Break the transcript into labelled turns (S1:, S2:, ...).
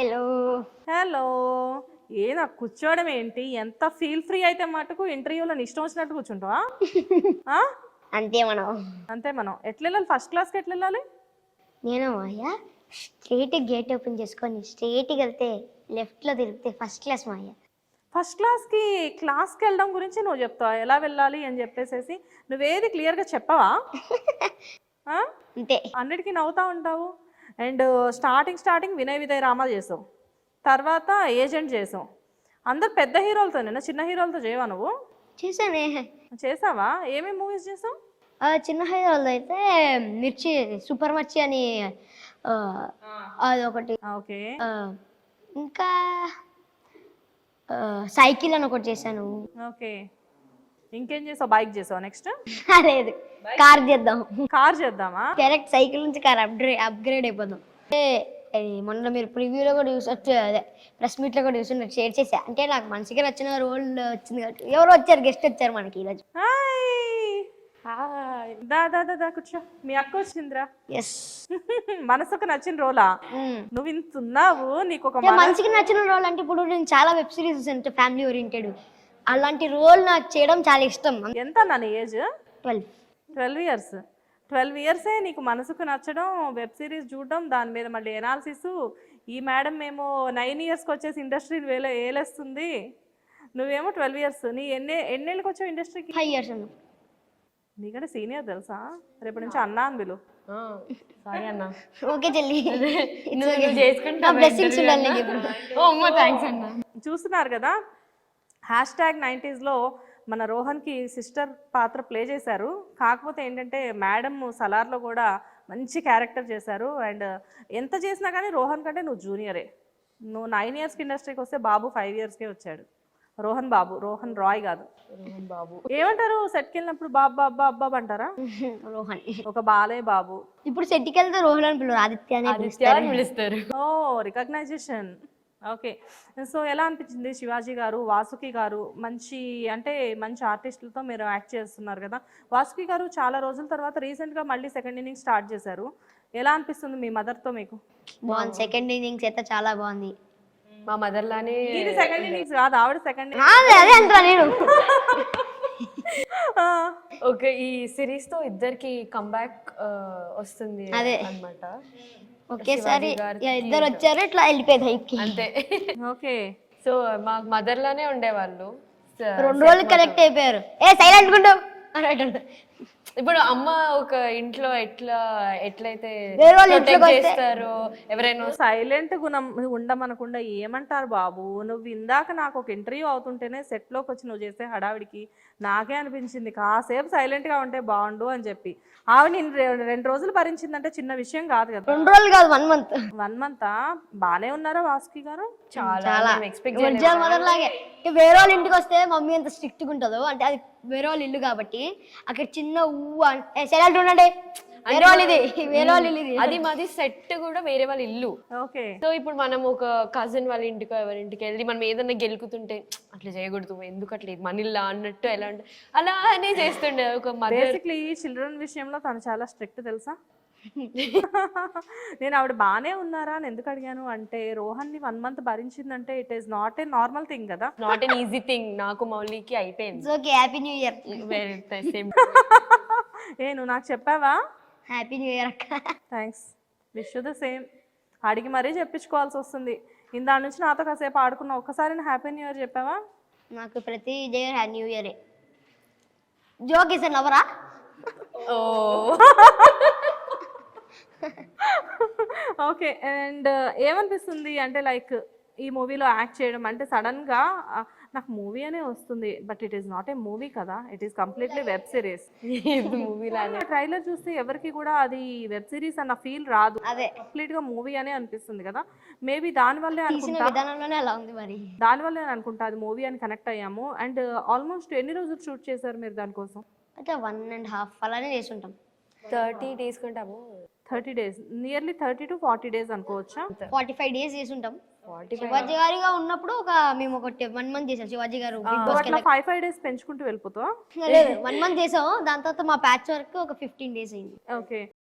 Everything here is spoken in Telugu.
S1: Hello
S2: hello. నాకు కూర్చోవడం ఏంటి? ఎంత ఫీల్ ఫ్రీ అయితే మటుకు ఇంటర్వ్యూలో ఇష్టం వచ్చినట్టు కూర్చుంటావా?
S1: అంతే మనం.
S2: అంతే మనం. ఎట్లా వెళ్ళాలి? ఫస్ట్ క్లాస్కి ఎట్లా వెళ్ళాలి?
S1: నేను మాయ స్ట్రైట్ గేట్ ఓపెన్ చేసుకొని స్ట్రైట్కి వెళ్తే లెఫ్ట్లో తిరిగితే ఫస్ట్ క్లాస్ మాయ.
S2: ఫస్ట్ క్లాస్కి వెళ్ళడం గురించి నువ్వు చెప్తావా ఎలా వెళ్ళాలి అని చెప్పేసేసి? నువ్వేది క్లియర్గా చెప్పవా?
S1: అంతే.
S2: అన్నిటికీ నవ్వుతా ఉంటావు. అండ్ స్టార్టింగ్ వినయ్ విజయ్ రామా చేసావు, తర్వాత ఏజెంట్ చేసావు. అందరు పెద్ద హీరోలతోనేనా, చిన్న హీరోలతో చేయవా నువ్వు?
S1: చూసానే.
S2: చేసావా? ఏమేమి మూవీస్ చేసావు?
S1: చిన్న హైదరాబాద్ అయితే మిర్చి సూపర్ మిర్చి అని అదొకటి.
S2: ఓకే.
S1: ఇంకా సైకిల్ అని ఒకటి చేశాను.
S2: ఓకే. ఇంకేం చేసావు? బైక్ చేసావు. నెక్స్ట్
S1: లేదు, కార్ చేద్దాం.
S2: కార్ చేద్దామా?
S1: డైరెక్ట్ సైకిల్ నుంచి కార్ అప్గ్రేడ్ అయిపోదాం. మొన్న మీరు ప్రివ్యూలో కూడా చూసొచ్చు, అదే ప్రెస్ మీట్లో కూడా చూసి షేర్ చేసా. అంటే నాకు మనసుకి నచ్చిన రోల్ వచ్చింది కాబట్టి ఎవరో వచ్చారు, గెస్ట్ వచ్చారు మనకి ఈరోజు.
S2: దా కూర్చో. మీ అక్క వచ్చిందిరా.
S1: ఎస్.
S2: మనసుకు నచ్చిన రోలా? నువ్వు ఇంతున్నావు. నీకు ఒక
S1: మనసుకి నచ్చిన రోల్ అంటే ఇప్పుడు నేను చాలా వెబ్ సిరీస్ అంటే ఫ్యామిలీ ఓరియంటెడ్, అలాంటి రోల్ నాకు చేయడం చాలా ఇష్టం.
S2: ఎంత నా ఏజ్? 12 ఇయర్స్. 12 ఇయర్సే నీకు మనసుకు నచ్చడం, వెబ్ సిరీస్ చూడడం, దాని మీద మళ్ళీ ఎనాలిసిస్. ఈ మేడం మేము 9 ఇయర్స్కి వచ్చేసి ఇండస్ట్రీని ఏలేస్తుంది. నువ్వేమో 12 ఇయర్స్. నీ ఎన్నేళ్ళకి వచ్చావు ఇండస్ట్రీకి?
S1: 5 ఇయర్స్ అన్న.
S2: నీకంటే సీనియర్ తెలుసా? రేపటి నుంచి అన్నా అని పిలు.
S3: సారీ అన్న.
S1: ఓకే చెల్లి,
S2: చూస్తున్నారు కదా, #90sలో మన రోహన్కి సిస్టర్ పాత్ర ప్లే చేశారు. కాకపోతే ఏంటంటే మేడం సలార్లో కూడా మంచి క్యారెక్టర్ చేశారు. అండ్ ఎంత చేసినా కానీ రోహన్ కంటే నువ్వు జూనియరే. నువ్వు 9 ఇయర్స్కి ఇండస్ట్రీకి వస్తే బాబు 5 ఇయర్స్కే వచ్చాడు. రోహన్ బాబు, రోహన్ రాయ్ కాదు.
S3: రోహన్ బాబు
S2: ఏమంటారు సెట్కి వెళ్ళినప్పుడు? బాబు బాబా అబ్బాబు అంటారా?
S1: రోహన్
S2: ఒక బాలే బాబు.
S1: ఇప్పుడు సెట్కి వెళ్తే రోహన్ అని పిల్లలు ఆదిత్య అని
S3: పిలుస్తారు.
S2: ఓ, రికగ్నైజేషన్. ఓకే. సో ఎలా అనిపించింది? శివాజీ గారు, వాసుకి గారు మంచి ఆర్టిస్టులతో మీరు యాక్ట్ చేస్తున్నారు కదా. వాసుకి గారు చాలా రోజుల తర్వాత రీసెంట్గా మళ్ళీ సెకండ్ ఇన్నింగ్స్ స్టార్ట్ చేశారు. ఎలా అనిపిస్తుంది మీ మదర్తో మీకు?
S1: బాగుంది. సెకండ్ ఇన్నింగ్స్ అయితే చాలా బాగుంది.
S3: మా మదర్ లానే.
S2: ఇది సెకండ్ ఇన్నింగ్స్ కాదు, ఆవిడ సెకండ్.
S1: అదే అంటా నేను.
S3: ఓకే, ఈ సిరీస్ తో ఇద్దరికి కంబ్యాక్ వస్తుంది అన్నమాట.
S1: ఒకేసారి ఇద్దరు వచ్చారు, ఇట్లా వెళ్ళిపోయేది హైప్కి.
S3: అంతే.
S2: ఓకే.
S3: సో మా మదర్ లానే ఉండేవాళ్ళు.
S1: 2 రోజులు కనెక్ట్ అయిపోయారు. సైలెంట్ గుండు అని.
S3: ఇప్పుడు అమ్మ ఒక ఇంట్లో ఎట్లయితే చేస్తారో, ఎవరైనా
S2: సైలెంట్ గుణం ఉండమనకుండా ఏమంటారు బాబు? నువ్వు ఇందాక నాకు ఒక ఇంటర్వ్యూ అవుతుంటేనే సెట్లోకి వచ్చి నువ్వు చేసే హడావిడికి నాకే అనిపించింది కాసేపు సైలెంట్గా ఉంటే బాగుండు అని చెప్పి. ఆవిడ 2 రోజులు భరించిందంటే చిన్న విషయం కాదు కదా.
S1: 2 రోజులు కాదు, 1 మంత్.
S2: 1 మంత్ బానే ఉన్నారా వాసుకి గారు?
S3: చాలా
S1: మదర్ లాగే. వేరే వాళ్ళ ఇంటికి వస్తే మమ్మీ ఎంత స్ట్రిక్ట్ గా ఉంటుందో, అంటే అది వేరే వాళ్ళ ఇల్లు కాబట్టి అక్కడ చిన్న సైలెంట్ ఉండండి, వేరే వాళ్ళ ఇల్లు.
S3: అది మాది సెట్ కూడా వేరే వాళ్ళ ఇల్లు.
S2: ఓకే.
S3: సో ఇప్పుడు మనం ఒక కజిన్ వాళ్ళ ఇంటికో ఎవరింటికి వెళ్ళి మనం ఏదన్నా గెలుకుతుంటే అట్లా చేయకూడదు, ఎందుకు అట్లా మన ఇల్లు అన్నట్టు ఎలా అంటే అలానే చేస్తుండే ఒక మదర్.
S2: బేసిక్లీ చిల్డ్రన్ విషయంలో తను చాలా స్ట్రిక్ట్ తెలుసా. నేను ఆవిడ బాగానే ఉన్నారా అని ఎందుకు అడిగాను అంటే, రోహన్ని 1 మంత్ భరించిందంటే it is not a normal thing కదా.
S3: Not an easy thing. నాకు మౌలికి అయిపోయింది.
S1: Okay, happy new year.
S2: నువ్వు నాకు చెప్పావా?
S1: హ్యాపీ న్యూ ఇయర్ అక్క.
S2: థ్యాంక్స్. Wish the same. అడిగి మరీ చెప్పించుకోవాల్సి వస్తుంది. ఇందా నుంచి నాతో కాసేపు ఆడుకున్నా, ఒక్కసారి హ్యాపీ న్యూ ఇయర్ చెప్పావా?
S1: నాకు ప్రతి న్యూ ఇయరే. జోక్ ఇస్ నవరా.
S3: Oh
S2: okay. అండ్ ఏమనిపిస్తుంది అంటే లైక్ ఈ మూవీలో యాక్ట్ చేయడం అంటే సడన్గా నాకు మూవీ అనే వస్తుంది, but it is not a movie కదా, it is completely web series.
S3: Movie లాగా
S2: ట్రైలర్ చూస్తే ఎవరికి కూడా అది వెబ్ సిరీస్ అన్న ఫీల్ రాదు,
S1: అదే
S2: కంప్లీట్ గా మూవీ అనే అనిపిస్తుంది కదా. మేబీ దానివల్లే అనుకుంటా,
S1: విధానంలోనే అలా ఉంది మరి.
S2: దానివల్లే అనుకుంటా అది మూవీ అని కనెక్ట్ అయ్యాము. అండ్ ఆల్మోస్ట్ ఎన్ని రోజులు షూట్ చేశారు మీరు దానికోసం?
S1: అంటే 1.5 అలానే చేసుంటాం.
S3: 30 days కొంటాము.
S2: 30 days, నియర్లీ 30 to 40 days అనుకోవచ్చా?
S1: 45 days చేసుంటాం. శివాజీ గారిగా ఉన్నప్పుడు మేము ఒక 1 month చేసాం. శివాజీ గారు
S2: 5 days పెంచుకుంటూ వెళ్ళిపోతావా?
S1: లేదు, 1 month చేసాం. దాని తర్వాత మా ప్యాచ్ వర్క్ ఒక 15 days అయింది.
S2: ఓకే.